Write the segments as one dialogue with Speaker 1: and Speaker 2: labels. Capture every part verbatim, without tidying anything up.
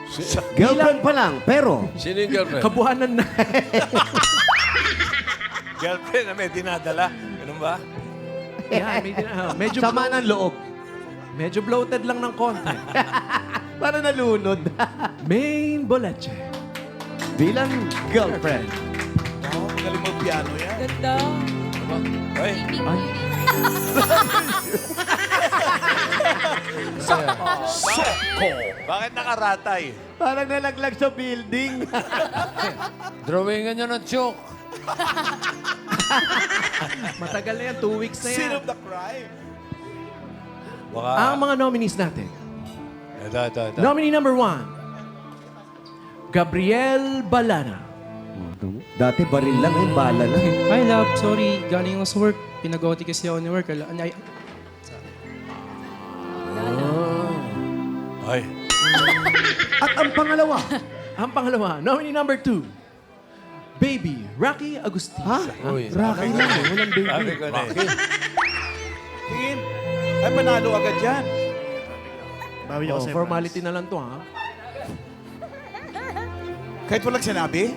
Speaker 1: Girlfriend pa lang, pero...
Speaker 2: Sino yung girlfriend?
Speaker 3: Kabuhanan na.
Speaker 2: Girlfriend na may dinadala. Ganun ba?
Speaker 3: Yan, may, uh, medyo,
Speaker 1: Sama ng loob.
Speaker 3: medyo bloated lang ng konti.
Speaker 1: Para nalunod.
Speaker 3: Main boleche.
Speaker 1: Bilang girlfriend.
Speaker 4: Oh, magaling mag-piano yan.
Speaker 5: Ganda.
Speaker 2: Ay,
Speaker 3: Ay,
Speaker 2: Soko! Bakit nakaratay?
Speaker 1: Parang nalaglag sa building.
Speaker 2: Drawingan nyo ng chok.
Speaker 3: matagal na yan. Two weeks na yan.
Speaker 4: Sin of the crime.
Speaker 2: Baka...
Speaker 3: Ang mga nominees natin.
Speaker 2: Ito, ito, ito.
Speaker 3: Nominee number one, Gabriel Balana.
Speaker 1: Dati baril lang, eh, bala lang.
Speaker 6: Hi, love. Sorry, galing ako sa work. Pinag-O T kasi ako ni work. Ala- Ay,
Speaker 2: Ay.
Speaker 1: At ang pangalawa.
Speaker 3: Ang pangalawa, nominee number two, Baby Rocky Agustin.
Speaker 1: Ha?
Speaker 2: Uy,
Speaker 1: Rocky lang, eh. Walang baby.
Speaker 2: Sabi ko na eh.
Speaker 4: Tingin. Ay, panalo agad yan.
Speaker 3: Oh, formality na lang to, ha?
Speaker 4: Kahit walang sinabi?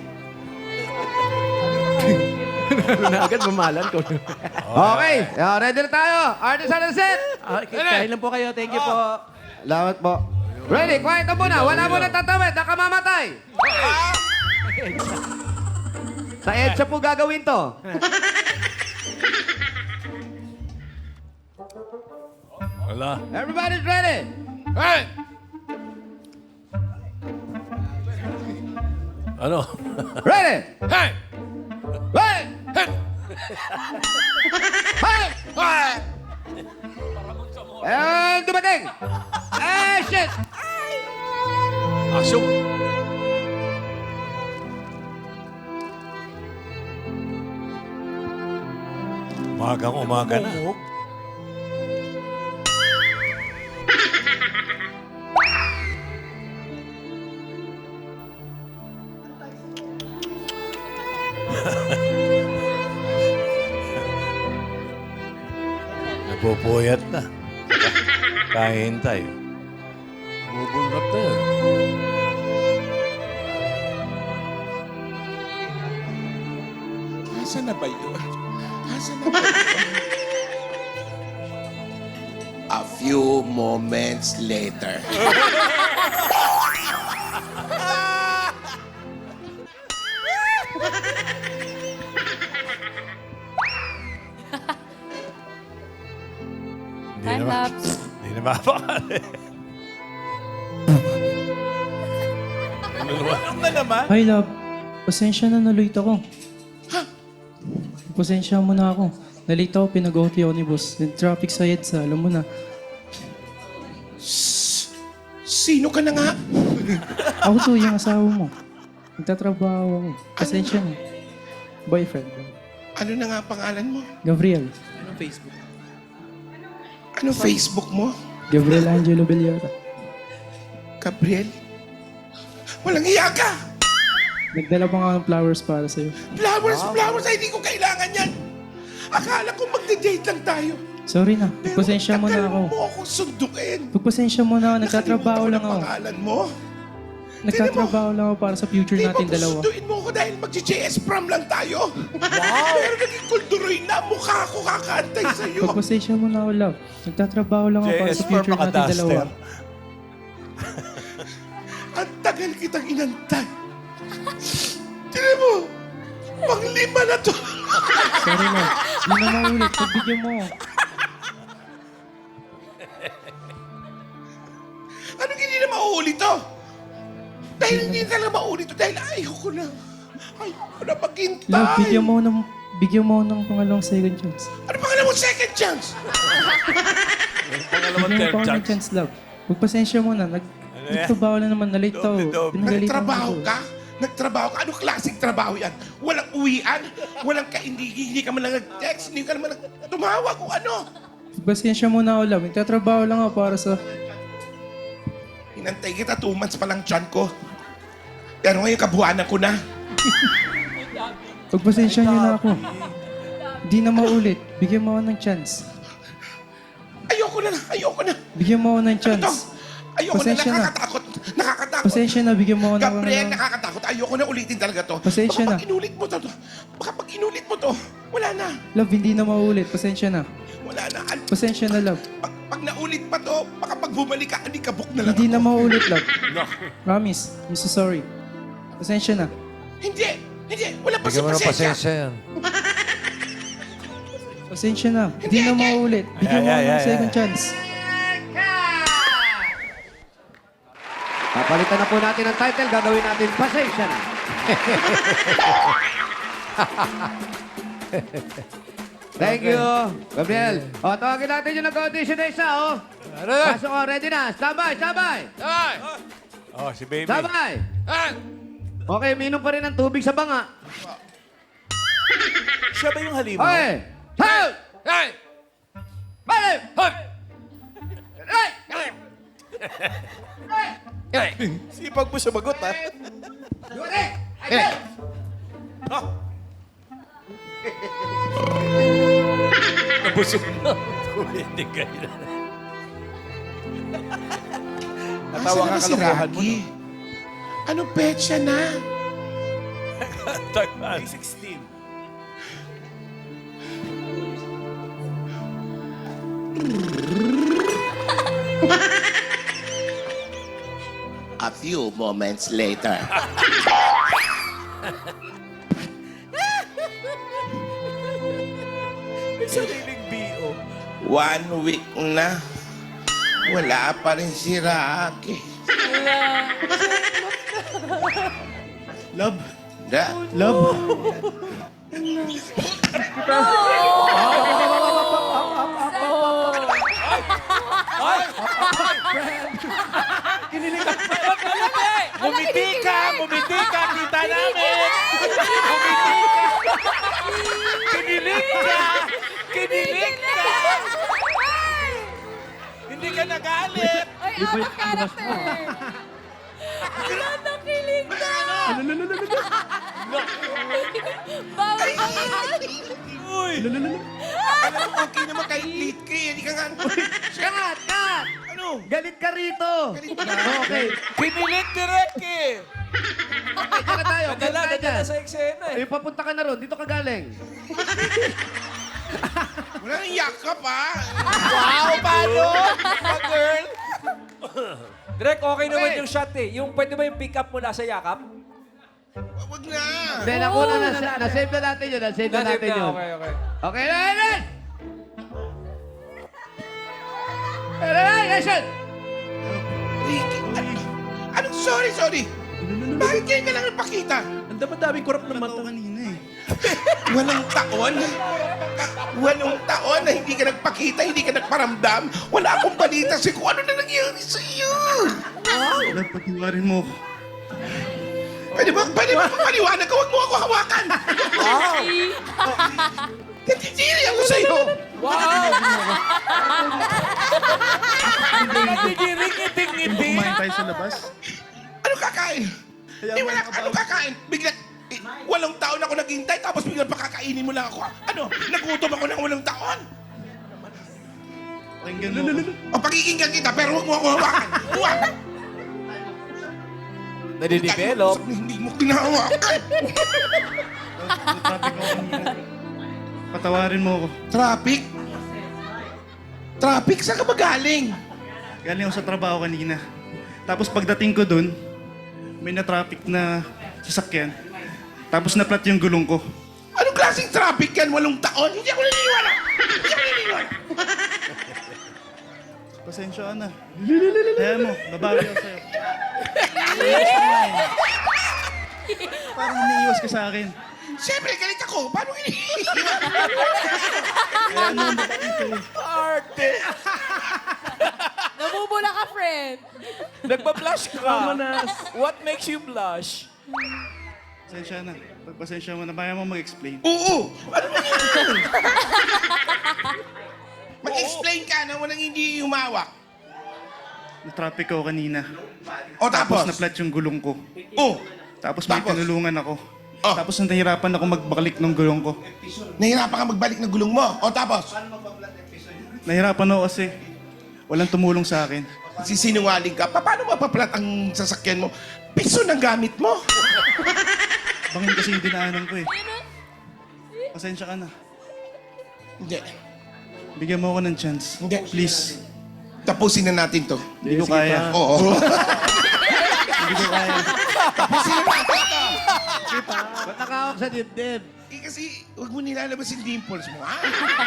Speaker 3: Ano na agad, mamalan ko.
Speaker 1: Okay, uh, ready na tayo. Artist on the set.
Speaker 3: Okay, kain lang po kayo. Thank you po.
Speaker 1: Salamat po. Ready, quiet na muna. Wala muna tatawid. Nakamamatay. Sa EDSA po gagawin to.
Speaker 2: Wala.
Speaker 1: Everybody's ready.
Speaker 2: Hey! Ano?
Speaker 1: Ready.
Speaker 2: Hey!
Speaker 1: Ready.
Speaker 2: Hey!
Speaker 1: Hey!
Speaker 2: Hey!
Speaker 1: And dumating. Eh, shit.
Speaker 2: Asyong! Umagang umaga na. Napupuyat na. Kahihintay. Bubulap na yun.
Speaker 4: Asa na ba yun? Asa na ba yun?
Speaker 7: A few moments later.
Speaker 2: Hindi
Speaker 5: Time
Speaker 2: naman.
Speaker 5: lapse.
Speaker 2: Hindi na mapakali.
Speaker 4: Ano na naman?
Speaker 6: hi, love. Pasensya na, nalate ako. Pasensya mo na ako. Nalate ako, pinag-O T ako ni boss. Yung traffic sa EDSA, alam mo na.
Speaker 7: Sino ka na nga?
Speaker 6: Ako to, yung asawa mo. Nagtatrabaho ako. Pasensya na. Boyfriend.
Speaker 7: Ano na nga pangalan mo?
Speaker 6: Gabriel.
Speaker 7: Ano Facebook mo?
Speaker 6: Gabriel Angelo Bellota.
Speaker 7: Gabriel? Walang iya ka!
Speaker 6: Nagdala pa nga ng flowers para sa'yo.
Speaker 7: Flowers, flowers, ay hindi ko kailangan yan. Akala ko magde-date lang tayo.
Speaker 6: Sorry na.
Speaker 7: Pero
Speaker 6: Pagpasensya mo na
Speaker 7: tagal
Speaker 6: ako.
Speaker 7: mo akong sundukin.
Speaker 6: Pagpasensya mo na ako. Nagtatrabaho
Speaker 7: Nakalimutan
Speaker 6: lang
Speaker 7: ko
Speaker 6: ako.
Speaker 7: na pangalan mo.
Speaker 6: Nagtatrabaho lang ako para sa future
Speaker 7: Di
Speaker 6: natin
Speaker 7: ba
Speaker 6: dalawa.
Speaker 7: gustuin mo ko dahil mag-J S prom lang tayo? Wow! Pero naging kulturoy na mukha ko kakantay sa'yo.
Speaker 6: Pagpasensya mo na ako, love. Nagtatrabaho lang ako para sa future natin dalawa.
Speaker 7: Ang tagal kitang inantay. Tinan mo, pang lima na to.
Speaker 6: Sorry na. Hindi na maulit. Pagbigyan mo.
Speaker 7: Anong hindi na mauulit to? Dahil hindi talaga mauulit to. Dahil ayoko na. Ayoko na maghintay.
Speaker 6: Love, bigyan mo ng, bigyan mo ng pangalawang second chance.
Speaker 7: Ano pangalan mo second chance?
Speaker 2: Pangalawang
Speaker 6: Bigyan mo
Speaker 2: third
Speaker 6: pangalawang
Speaker 2: chance.
Speaker 6: chance, love. Pagpasensya mo na. Nag, nagtrabaho na naman. Nalate ako.
Speaker 2: Doble-doble.
Speaker 6: Pinagalitan
Speaker 7: Nagtrabaho
Speaker 6: ako.
Speaker 7: ka? Nagtrabaho ka? Anong klaseng trabaho yan? Walang uwian? Walang ka, hindi, hindi ka man lang nag-text? Hindi ka naman nag- tumawag kung ano?
Speaker 6: Pagpasensya mo na ako, love. Nagtatrabaho lang ako para sa...
Speaker 7: Inantay kita, two months pa lang tiyan ko. Pero ngayon, kabuhanan ko na.
Speaker 6: Pagpasensya niyo na ako. Hindi na maulit. Bigyan mo ako ng chance.
Speaker 7: Ayoko na, ayoko na.
Speaker 6: Bigyan mo ako ng
Speaker 7: Ano to?
Speaker 6: chance.
Speaker 7: Ayoko
Speaker 6: Pasensya
Speaker 7: na,
Speaker 6: na.
Speaker 7: nakakatakot. Nakakatakot ako.
Speaker 6: Pasensya na, bigyan mo ako ng...
Speaker 7: Gabriel,
Speaker 6: ano.
Speaker 7: nakakatakot. Ayoko na ulitin talaga to.
Speaker 6: Pasensya
Speaker 7: baka
Speaker 6: na.
Speaker 7: pag inulit mo to, baka pag inulit mo to, wala na.
Speaker 6: Love, hindi na maulit. Pasensya na.
Speaker 7: Wala na. An-
Speaker 6: Pasensya na, love.
Speaker 7: Pag, pag naulit pa to, baka pag bumalik ka, alikabok na lang
Speaker 6: Hindi
Speaker 7: ako.
Speaker 6: na maulit, love. Promise. I'm so sorry. Pasensya na.
Speaker 7: Hindi. Hindi. Wala pa
Speaker 2: Bigyan
Speaker 7: sa
Speaker 2: mo ng
Speaker 7: pasensya.
Speaker 2: pasensya yan.
Speaker 6: Pasensya na. Hindi na maulit. Bigyan mo
Speaker 2: Ay,
Speaker 6: ako
Speaker 2: ay,
Speaker 6: ng
Speaker 2: ay,
Speaker 6: second
Speaker 2: ay.
Speaker 6: chance.
Speaker 1: Papalitan na po natin ang title. Gagawin natin pasensya na. Thank you, Gabriel. O, tawagin natin yung nag-audition na isa, oh.
Speaker 2: Ano na?
Speaker 1: Pasok ko, ready na. Standby, standby.
Speaker 2: Ay! Oh, si baby.
Speaker 1: Standby.
Speaker 2: Ay!
Speaker 1: Okay, minom pa rin ng tubig sa banga.
Speaker 4: Siya ba yung halimo?
Speaker 1: Okay. Hey!
Speaker 2: Ay!
Speaker 1: Balik!
Speaker 2: Hoy!
Speaker 1: Hey!
Speaker 2: Ay!
Speaker 4: Sipag mo sumagot, ha?
Speaker 1: Yuri! Ay!
Speaker 2: Nabusog na. Hindi kayo na.
Speaker 4: Natawa ka
Speaker 7: Nasaan na ba si
Speaker 4: kalokohan mo.
Speaker 7: Rocky? Anong petsa na?
Speaker 2: Tagal.
Speaker 4: sixteen.
Speaker 7: A few moments later.
Speaker 4: May sariling B O.
Speaker 7: One week na. Wala pa rin si Rocky.
Speaker 4: Love.
Speaker 7: Da.
Speaker 4: Love.
Speaker 5: Bumiti ka! Bumiti ka! Kita namin! Bumiti ka! Kinilig ka! Kinilig ka! Hindi ka nagalit!
Speaker 8: Ay, out of character! Wala nang kilig na! Bawal ka
Speaker 5: Uy!
Speaker 7: Alam mo, okay naman kahit late ka eh. Hindi ka nga...
Speaker 1: Kat! Kat!
Speaker 7: Ano?
Speaker 1: Galit ka rito!
Speaker 7: Galit ka na.
Speaker 1: Okay.
Speaker 5: Kinilig direct eh!
Speaker 1: Okay, tara tayo.
Speaker 5: Nadala,
Speaker 1: Punta ka
Speaker 5: nadala
Speaker 1: dyan.
Speaker 5: sa eksena eh.
Speaker 1: Ay, papunta ka na ron. Dito ka galing.
Speaker 7: Wala nang yakap ha.
Speaker 5: Wow! Paano? Pa girl! Direk, okay naman
Speaker 1: Okay.
Speaker 5: yung shot eh. Yung pwede ba yung pick up mo nasa yakap?
Speaker 7: Wag na.
Speaker 1: Hindi, nakuna na. Na-save na natin yun. Na-save na
Speaker 5: Nasave
Speaker 1: natin
Speaker 5: na,
Speaker 1: yun.
Speaker 5: okay, okay.
Speaker 1: Okay, ready? Ready, action!
Speaker 7: Ricky, ano? Anong sorry, sorry? Bakit ngayon ka lang napakita?
Speaker 3: Ang dami-daming kurap ng mata.
Speaker 4: kanina eh.
Speaker 7: Walang taon? Walong taon na hindi ka nagpakita, hindi ka nagparamdam? Wala akong balita sa kung ano na nangyari sa iyo.
Speaker 4: Love, pagtiwarin mo ako.
Speaker 7: Pwede ba, pwede ba paliwanag ka? Huwag mo ako hawakan. Wow! Natitiri ako sa iyo.
Speaker 5: Wow! Natigiring ngiting-ngiti.
Speaker 4: Kumain tayo sa labas.
Speaker 7: Ano kakain? Eh, wala ka, ano kakain? Bigla, eh, walong taon ako naghintay, tapos bigla pakakainin mo lang ako. Ano? Nagutom ako ng walong taon?
Speaker 4: Pakinggan mo ako.
Speaker 7: O pakikinggan kita, pero huwag mo ako hawakan. Huwag!
Speaker 5: Nadidevelop.
Speaker 7: Hindi mo kinahawakan.
Speaker 4: Traffic ako kanina. Patawarin mo ako.
Speaker 7: Traffic? Traffic? Saan ka ba galing?
Speaker 4: Galing ako sa trabaho kanina. Tapos pagdating ko dun, may na-traffic na sasakyan. Tapos na-flat yung gulong ko.
Speaker 7: Anong klaseng traffic yan? Walong taon? Hindi ako naniniwala. Hindi ako naniniwala.
Speaker 4: Pasensya ka na. Kaya mo, babawi ako sa'yo. Parang umiiwas ka sa akin.
Speaker 7: Siyempre, galit ako. Paano iniiwan?
Speaker 4: Kaya ano, mabait eh.
Speaker 5: Arte!
Speaker 8: Namumula ka, friend!
Speaker 5: Nagpa-blush ka.
Speaker 3: Mamanas.
Speaker 5: What makes you blush?
Speaker 4: Pasensya na. Pagpasensya mo na, kaya mo mag-explain.
Speaker 7: Oo. Ano ba yan? Mag-explain ka na walang hindi humawak.
Speaker 4: Na-traffic ako kanina.
Speaker 7: O
Speaker 4: Tapos
Speaker 7: tapos?
Speaker 4: na-flat yung gulong ko.
Speaker 7: Oh.
Speaker 4: Tapos may
Speaker 7: Tapos?
Speaker 4: tinulungan ako.
Speaker 7: Oh.
Speaker 4: Tapos nahihirapan ako magbakalik ng gulong ko.
Speaker 7: Nahirapan ka magbalik ng gulong mo. O tapos?
Speaker 4: Nahirapan ako kasi walang tumulong sa akin.
Speaker 7: Sisinungaling ka. Pa- Paano mapaplat ang sasakyan mo? Piso ng gamit mo.
Speaker 4: Bangin kasi yung dinaanan ko eh. Pasensya ka na.
Speaker 7: Hindi.
Speaker 4: Bigyan mo ako ng chance.
Speaker 7: Hindi.
Speaker 4: Please.
Speaker 7: Tapusin na natin to.
Speaker 4: Hindi ko kaya.
Speaker 7: Oo.
Speaker 4: Hindi ko kaya.
Speaker 7: Tapusin na natin to.
Speaker 3: Ba't nakawak sa dibdib?
Speaker 7: Eh, kasi huwag mo nilalabas yung dimples mo, ha?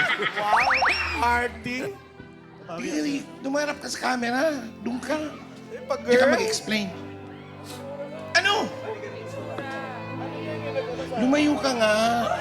Speaker 5: Artie.
Speaker 7: Hindi, dumarap ka sa camera. Doon ka.
Speaker 5: Pag
Speaker 7: Hindi ka
Speaker 5: girl.
Speaker 7: mag-explain. Ano? Lumayo ka nga.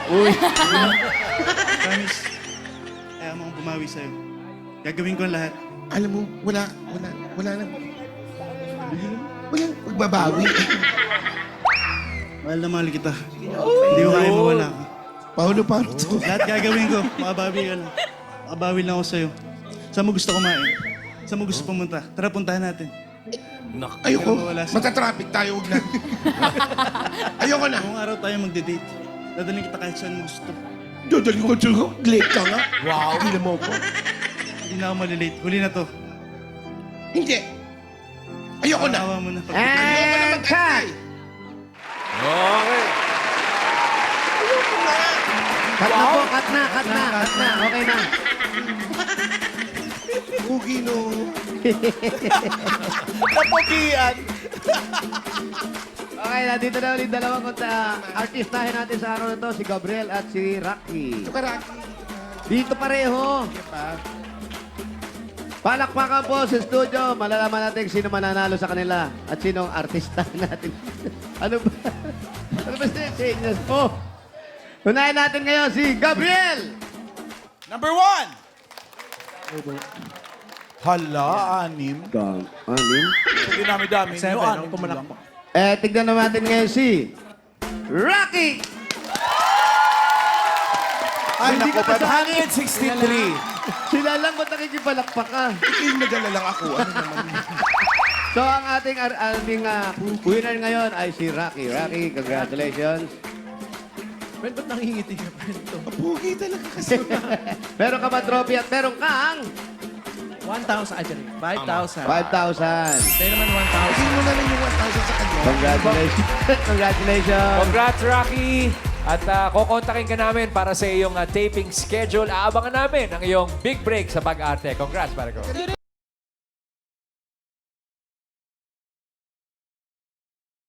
Speaker 4: Promise. Kaya mo akong bumawi sa'yo. Gagawin ko ang lahat.
Speaker 7: Alam mo, wala, wala, wala na. Walang pagbabawi.
Speaker 4: Mahal na mahal kita. Hindi ko kaya mawala ka.
Speaker 7: Paulo, Paulo.
Speaker 4: Lahat gagawin ko. Makabawi ka lang. Makabawi lang ako sa'yo. Saan mo gusto kumain? Saan mo gusto pumunta? Tara, puntahan natin.
Speaker 7: Ayoko.
Speaker 4: Wala siya.
Speaker 7: Matatraffic tayo, huwag na. Ayoko na.
Speaker 4: Buong araw tayo magde-date. Dadalhin kita kahit saan mo gusto.
Speaker 7: Dodali ko dyan. Late ka nga. Wow. Hindi mo ko.
Speaker 4: Hindi na ako malilate. Huli na to.
Speaker 7: Hindi. Ayoko na.
Speaker 4: Awa mo na. Pag-
Speaker 7: Ayoko na
Speaker 1: And
Speaker 7: mag-antay.
Speaker 2: Okay.
Speaker 7: Ayoko na.
Speaker 1: Cut na po, cut na, cut na, cut na. Okay na.
Speaker 7: Pugi no.
Speaker 5: Napugian.
Speaker 1: Okay, nandito na ulit dalawang konta. Artistahin natin sa araw na to, si Gabriel at si Rocky.
Speaker 7: Karaki.
Speaker 1: Dito pareho. Palakpakan po sa studio. Malalaman natin sino mananalo sa kanila at sino ang artista natin. ano ba? Ano ba siya? Senyas po. Unahin natin ngayon si Gabriel.
Speaker 5: Number one. Hala, anim.
Speaker 1: Gang. Anim.
Speaker 5: Hindi namin dami.
Speaker 3: Sa'yo, ano, pumalakpak.
Speaker 1: Eh, tignan naman natin ngayon si Rocky.
Speaker 5: Ay,
Speaker 1: Hindi
Speaker 5: naku,
Speaker 1: ka kasali.
Speaker 5: five hundred sixty-three.
Speaker 1: Sila lang ba't nakikipalakpak ka?
Speaker 7: Ikaw nagala lang ako. Ano naman?
Speaker 1: So, ang ating, ar- ating ah, winner ngayon ay si Rocky. Rocky, congratulations.
Speaker 3: Friend, ba't nangingiti ka, friend? To?
Speaker 7: Pugi talaga kasi.
Speaker 1: Meron ka ba trophy at meron kang
Speaker 3: one thousand, ay, sorry, five thousand.
Speaker 1: five thousand.
Speaker 3: Tayo naman one thousand.
Speaker 7: Hindi mo na lang yung one thousand sa kanya.
Speaker 1: Congratulations. Congratulations.
Speaker 2: Congrats, Rocky! At uh, kukontakin ka namin para sa iyong uh, taping schedule. Aabangan namin ang iyong big break sa pag-arte. Congrats, pare ko.